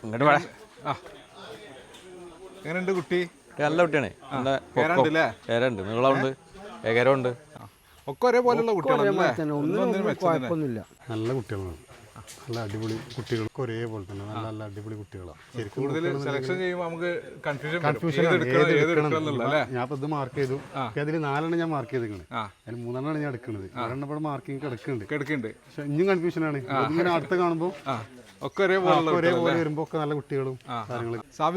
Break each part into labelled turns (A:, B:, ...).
A: ഇങ്ങോട്ട് വേണം.
B: എങ്ങനെയുണ്ട് കുട്ടി?
A: നല്ല കുട്ടിയാണ്. ഏരുണ്ട്, നീളമുണ്ട്, ഏകരമുണ്ട്.
B: ഒക്കെ ഒരേപോലെയുള്ള കുട്ടികളാണ്.
C: നല്ല കുട്ടികളാണ്, നല്ല അടിപൊളി കുട്ടികൾക്ക് ഒരേപോലെ തന്നെ നല്ല നല്ല അടിപൊളി കുട്ടികളാണ്.
B: കൂടുതൽ സെലക്ഷൻ ചെയ്യുമ്പോൾ നമുക്ക്
C: കൺഫ്യൂഷൻ ഞാൻ ഇത് മാർക്ക് ചെയ്തു. അതിൽ 4 ഞാൻ മാർക്ക് ചെയ്തിരിക്കുന്നത്, അതിൽ 3 ഞാൻ എടുക്കുന്നത്. 2 മാർക്കിങ് കിടക്കുന്നുണ്ട്. പക്ഷെ ഇനിയും കൺഫ്യൂഷനാണ്. ഇങ്ങനെ അടുത്ത് കാണുമ്പോൾ
B: ഒക്കെ ഒരേപോലെ
C: വരുമ്പോ ഒക്കെ നല്ല കുട്ടികളും കാര്യങ്ങളും.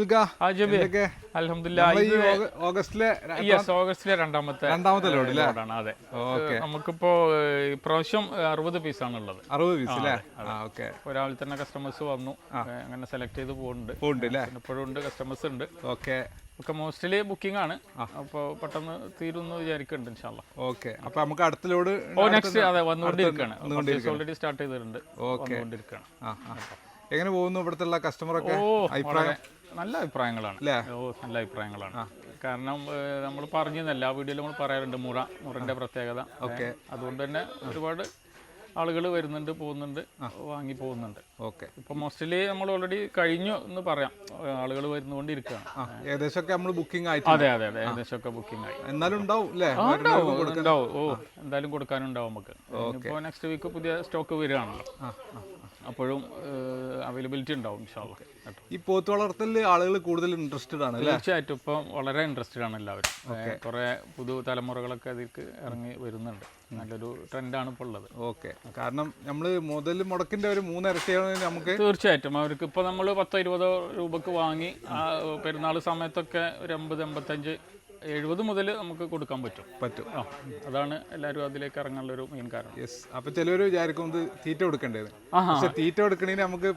D: ഓഗസ്റ്റിലെ രണ്ടാമത്തെ ലോഡാണ്. അതെ, നമുക്കിപ്പോ ഇപ്രാവശ്യം 60 പീസാണ് ഉള്ളത്.
B: 60 പീസ് അല്ലേ?
D: ഒരാളിൽ തന്നെ കസ്റ്റമേഴ്സ് വന്നു, അങ്ങനെ സെലക്ട് ചെയ്ത് പോകുന്നുണ്ട്. ഇപ്പോഴും ഉണ്ട്, കസ്റ്റമേഴ്സ് ഉണ്ട്. ഒക്കെ മോസ്റ്റ്ലി ബുക്കിംഗ് ആണ്. അപ്പോൾ പെട്ടെന്ന് തീരുമെന്ന് വിചാരിക്കുന്നുണ്ട് ഇൻഷാല്ലാ.
B: ഓക്കെ, അപ്പൊ നമുക്ക് അടുത്ത ലോഡ്
D: നെക്സ്റ്റ് അതെ വന്നുകൊണ്ടിരിക്കുകയാണ്. ഓൾറെഡി സ്റ്റാർട്ട് ചെയ്തിട്ടുണ്ട്, വന്നുകൊണ്ടിരിക്കുകയാണ്.
B: എങ്ങനെ പോകുന്നു ഇവിടുത്തെ കസ്റ്റമറൊക്കെ?
D: നല്ല അഭിപ്രായങ്ങളാണ്. നല്ല അഭിപ്രായങ്ങളാണ്. കാരണം നമ്മൾ പറഞ്ഞിരുന്ന എല്ലാ വീഡിയോയിലും നമ്മൾ പറയാറുണ്ട് മുറന്റെ പ്രത്യേകത. അതുകൊണ്ട് തന്നെ ഒരുപാട് ആളുകൾ വരുന്നുണ്ട്, പോകുന്നുണ്ട്, വാങ്ങി പോകുന്നുണ്ട്.
B: ഓക്കെ,
D: ഇപ്പൊ മോസ്റ്റ്ലി നമ്മൾ ഓൾറെഡി കഴിഞ്ഞു എന്ന് പറയാം. ആളുകൾ വരുന്നുകൊണ്ടിരിക്കുകയാണ്.
B: ഏകദേശമൊക്കെ നമ്മൾ ബുക്കിംഗ് ആയി.
D: അതെ, ഏകദേശമൊക്കെ ബുക്കിംഗ് ആയി.
B: എന്നാലും ഉണ്ടാവും.
D: എന്തായാലും കൊടുക്കാനുണ്ടാവും നമുക്ക്. ഇപ്പോൾ നെക്സ്റ്റ് വീക്ക് പുതിയ സ്റ്റോക്ക് വരികയാണല്ലോ, അപ്പോഴും അവൈലബിലിറ്റി ഉണ്ടാവും ഇൻഷാല്ലാ.
B: ഈ പോത്ത് വളർത്തലിൽ ആളുകൾ കൂടുതൽ ഇൻട്രസ്റ്റഡ് ആണ്.
D: തീർച്ചയായിട്ടും ഇപ്പം വളരെ ഇൻട്രസ്റ്റഡ് ആണ് എല്ലാവരും. കുറെ പുതുതലമുറകളൊക്കെ അതിലേക്ക് ഇറങ്ങി വരുന്നുണ്ട്. നല്ലൊരു ട്രെൻഡാണ് ഇപ്പോൾ ഉള്ളത്.
B: ഓക്കെ, കാരണം നമ്മൾ മുതൽ മുടക്കിന്റെ ഒരു 3 ഇരട്ടിയാണ് നമുക്ക്.
D: തീർച്ചയായിട്ടും അവർക്ക് ഇപ്പോൾ നമ്മൾ 10-20 രൂപക്ക് വാങ്ങി പെരുന്നാൾ സമയത്തൊക്കെ ഒരു 80-85 70 മുതൽ നമുക്ക് കൊടുക്കാൻ പറ്റും. അതാണ് എല്ലാവരും അതിലേക്ക് ഇറങ്ങാനുള്ള ഒരു മെയിൻ കാരണം.
B: അപ്പൊ ചിലവർ വിചാരിക്കും തീറ്റ കൊടുക്കേണ്ടത്. തീറ്റ കൊടുക്കണേന് നമുക്ക്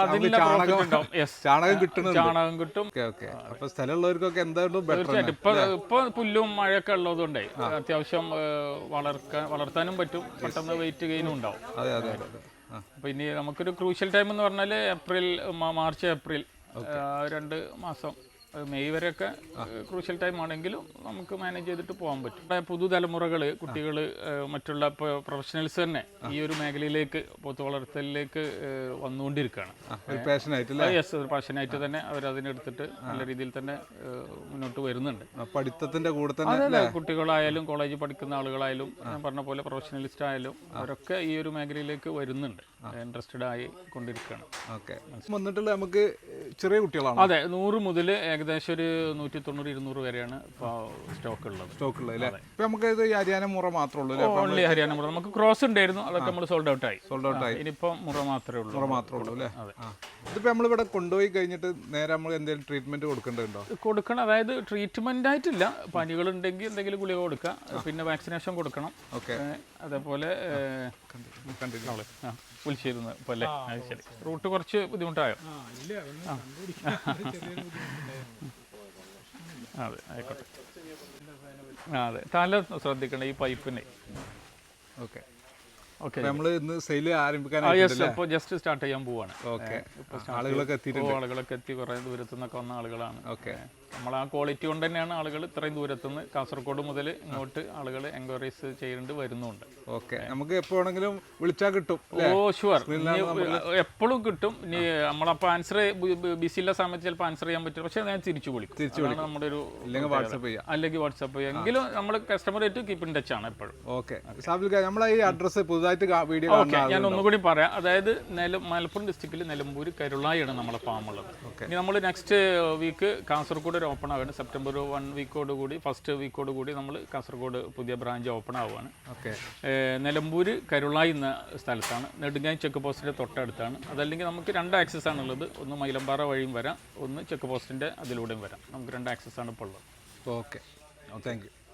B: ചാണകം കിട്ടും. അപ്പൊ സ്ഥലമുള്ളവർക്കൊക്കെ എന്തായാലും
D: തീർച്ചയായിട്ടും ഇപ്പൊ പുല്ലും മഴയൊക്കെ ഉള്ളതുകൊണ്ടേ അത്യാവശ്യം വളർത്താനും പറ്റും. പെട്ടെന്ന് വെയിറ്റ് ഗെയിനും ഉണ്ടാവും. അപ്പൊ ഇനി നമുക്കൊരു ക്രൂഷ്യൽ ടൈം എന്ന് പറഞ്ഞാൽ മാർച്ച് ഏപ്രിൽ 2 മാസം, മെയ് വരെയൊക്കെ ക്രൂഷ്യൽ ടൈം ആണെങ്കിലും നമുക്ക് മാനേജ് ചെയ്തിട്ട് പോകാൻ പറ്റും. പുതുതലമുറകൾ, കുട്ടികൾ, മറ്റുള്ള പ്രൊഫഷണൽസ് തന്നെ ഈ ഒരു മേഖലയിലേക്ക്, പോത്ത് വളർത്തലിലേക്ക് വന്നുകൊണ്ടിരിക്കുകയാണ്. ഒരു പാഷനായിട്ട് തന്നെ അവരതിനെടുത്തിട്ട് നല്ല രീതിയിൽ തന്നെ മുന്നോട്ട് വരുന്നുണ്ട്.
B: പഠിത്തത്തിന്റെ കൂടെ തന്നെ
D: കുട്ടികളായാലും കോളേജിൽ പഠിക്കുന്ന ആളുകളായാലും ഞാൻ പറഞ്ഞ പോലെ പ്രൊഫഷണലിസ്റ്റ് ആയാലും അവരൊക്കെ ഈ ഒരു മേഖലയിലേക്ക് വരുന്നുണ്ട്, ഇൻട്രസ്റ്റഡ് ആയി കൊണ്ടിരിക്കുകയാണ്.
B: വന്നിട്ടുള്ള നമുക്ക് ചെറിയ കുട്ടികളാണ്.
D: അതെ, 100 മുതൽ ഏകദേശം ഒരു 190-200 വരെയാണ് സ്റ്റോക്ക് ഉള്ളത്.
B: നമുക്ക് ഇത് ഹരിയാന മുറ മാത്രമേ ഉള്ളൂ.
D: ഓൺലി ഹരിയാന മുറ. നമുക്ക് ക്രോസ് ഉണ്ടായിരുന്നു, അതൊക്കെ നമ്മൾ സോൾഡ് ഔട്ട് ആയി. ഇനിയിപ്പോ മുറ മാത്രമേ ഉള്ളൂ.
B: അല്ലേ? ഇതിപ്പോ നമ്മളിവിടെ കൊണ്ടുപോയി കഴിഞ്ഞിട്ട് നേരെ നമ്മൾ എന്തെങ്കിലും ട്രീറ്റ്മെന്റ് കൊടുക്കേണ്ടതുണ്ടോ?
D: കൊടുക്കണം. അതായത് ട്രീറ്റ്മെന്റ് ആയിട്ടില്ല. പനികൾ ഉണ്ടെങ്കിൽ എന്തെങ്കിലും ഗുളിക കൊടുക്കാം, പിന്നെ വാക്സിനേഷൻ കൊടുക്കണം. അതേപോലെ വിളിച്ചിരുന്നു പോലെ. ശരി, റൂട്ട് കുറച്ച് ബുദ്ധിമുട്ടായോ? അതെ, ആയിക്കോട്ടെ. അതെ, തല ശ്രദ്ധിക്കണം ഈ പൈപ്പിന്.
B: ഓക്കെ, നമ്മൾ ഇന്ന് സെയിൽ ആരംഭിക്കാൻ
D: ജസ്റ്റ് സ്റ്റാർട്ട് ചെയ്യാൻ പോവാണ്.
B: ആളുകളൊക്കെ
D: എത്തി കുറെ ദൂരത്തു നിന്നൊക്കെ വന്ന ആളുകളാണ്. നമ്മൾ ആ ക്വാളിറ്റി കൊണ്ട് തന്നെയാണ് ആളുകൾ ഇത്രയും ദൂരത്തുനിന്ന് കാസർഗോഡ് മുതൽ ഇങ്ങോട്ട് ആളുകൾ എൻക്വയറീസ് ചെയ്യേണ്ടി വരുന്നുണ്ട്.
B: ഓക്കെ, നമുക്ക് എപ്പോ വേണമെങ്കിലും വിളിച്ചാൽ കിട്ടും.
D: ഷുവർ, എപ്പോഴും കിട്ടും. ഇനി നമ്മളപ്പോൾ ആൻസർ ബിസിയുള്ള സമയത്ത് ചിലപ്പോൾ ആൻസർ ചെയ്യാൻ പറ്റും, പക്ഷേ ഞാൻ തിരിച്ചു വിളിക്കും. നമ്മുടെ ഒരു അല്ലെങ്കിൽ വാട്സാപ്പ് ചെയ്യാം, എങ്കിലും നമ്മൾ കസ്റ്റമറായിട്ട് കീപ്പ് ഇൻ ടച്ച് ആണ് എപ്പോഴും.
B: ഓക്കെ, നമ്മളെ ഈ അഡ്രസ് പുതുതായിട്ട് വീഡിയോ
D: ഞാൻ ഒന്നുകൂടി പറയാം. അതായത് മലപ്പുറം ഡിസ്ട്രിക്റ്റിൽ നിലമ്പൂർ കരുളായാണ് നമ്മളെ ഫാമുള്ളത്. ഇനി നമ്മൾ നെക്സ്റ്റ് വീക്ക് കാസർഗോഡ് ഓപ്പൺ ആവുകയാണ്. സെപ്റ്റംബർ 1 വീക്കോട് കൂടി, ഫസ്റ്റ് വീക്കോട് കൂടി നമ്മൾ കാസർഗോഡ് പുതിയ ബ്രാഞ്ച് ഓപ്പൺ ആവുകയാണ്. നിലമ്പൂർ കരുളായി എന്ന സ്ഥലത്താണ്, നെടുങ്ങായി ചെക്ക് പോസ്റ്റിൻ്റെ തൊട്ടടുത്താണ്. അതല്ലെങ്കിൽ നമുക്ക് 2 ആക്സസ് ആണുള്ളത്. ഒന്ന് മൈലമ്പാറ വഴിയും വരാം, ഒന്ന് ചെക്ക് പോസ്റ്റിൻ്റെ അതിലൂടെയും വരാം. നമുക്ക് 2 ആക്സസ് ആണ് ഇപ്പോൾ ഉള്ളത്.
B: Okay, thank U.